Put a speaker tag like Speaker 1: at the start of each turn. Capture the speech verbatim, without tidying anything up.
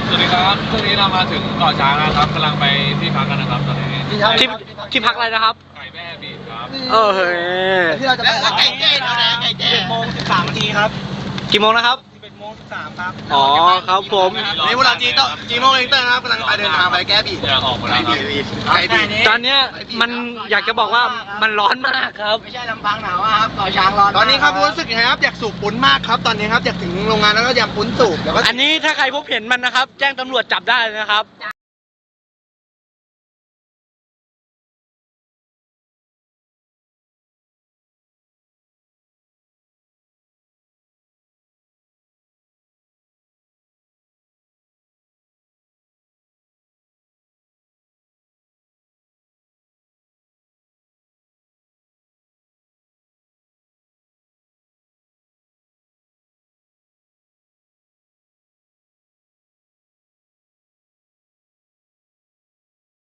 Speaker 1: สวัสดีครับตอนนี้เรามาถึงเกาะช้างนะครับกำลังไปที่พักกันนะครับตอนนี้
Speaker 2: ที่ที่พักอะไรนะครับ
Speaker 1: ไก่แม่บีดครับ
Speaker 2: เออเฮ้ย
Speaker 3: ที่เราจะไปไก่แจ้เราไก่แจ้โมงสิบสามนาทีครับ
Speaker 2: กี่โมงนะครับ
Speaker 3: สิบเอ็ดโมงสิบสามครับ
Speaker 2: อ๋อครับผม
Speaker 3: นี่พวกเราจีโต้จีโมงเองเตอร์ครับกำลังไปเดินทางไปแก้บี
Speaker 1: จะออกมาแล้วครับ
Speaker 3: ไก่บี
Speaker 2: ตอนเนี้ยมันอยากจะบอกว่ามันร้อนมากครับ
Speaker 3: ไม่ใช่ลำพังหนาวครับต่อช้างร้อนตอนนี้ครับรู้สึกยังไงครับอยากสูบปุ้นมากครับตอนนี้ครับอยากถึงโรงงานแล้วก็อยากปุ้นสูบแล้วก็
Speaker 2: อันนี้ถ้าใครพบเห็นมันนะครับ แจ้งตำรวจจับได้เลยนะครับ